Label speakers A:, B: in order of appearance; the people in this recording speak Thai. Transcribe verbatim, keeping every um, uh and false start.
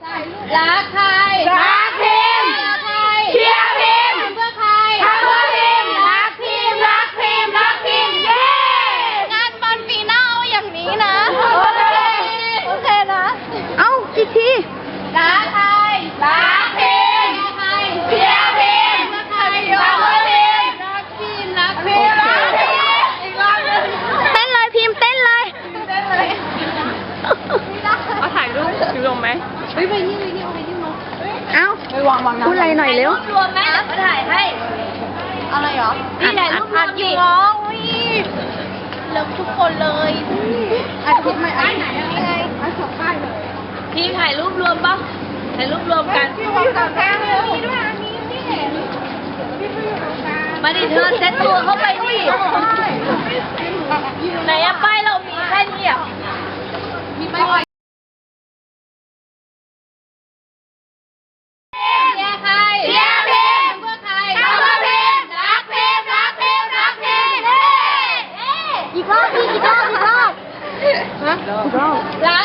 A: รักใครรักพิมเชียร์พิมเพื่อใครทำเพื่อพิมรักพิมรักพิมรักพิมเย้งานบอลปีหน้าเอาอย่างนี้นะโอเคโอเคนะเอ้าอีกทีรักใครรักพิมใครเชียร์พิมเพื่อใครทำเพื่อพิมรักพิมรักพิมรักพิมอีกรอบนึงเต้นเลยพิมเต้นเลยเต้นเลยเอาถ่ายรูปถือลงไหมเฮ้ยไปนี่ไปนี่เอาไปนี่มาเอ้าไปวางวางพูดอะไรหน่อยเร็วรวมไหมมาถ่ายให้อะไรหรอนี่ถ่ายรูปรวมดิน้องเลิฟทุกคนเลยอัดคลิปไหมอัดไหนอะไรอัดสองป้ายเลยพี่ถ่ายรูปรวมปะถ่ายรูปรวมกันพี่วางกลางแก้มเลยมีด้วยอันนี้นี่มาดิเธอเซ็ตตัวเข้าไปดิไหนอะป้ายเรามีแค่นี้อ่ะมีป้ายเชียร์ใครเชียร์พิมเพื่อใครทำเพื่อพิมรักพิมรักพิมรักพิมอีกรอบอีกรอบอีกรอบฮะอีกรอบรั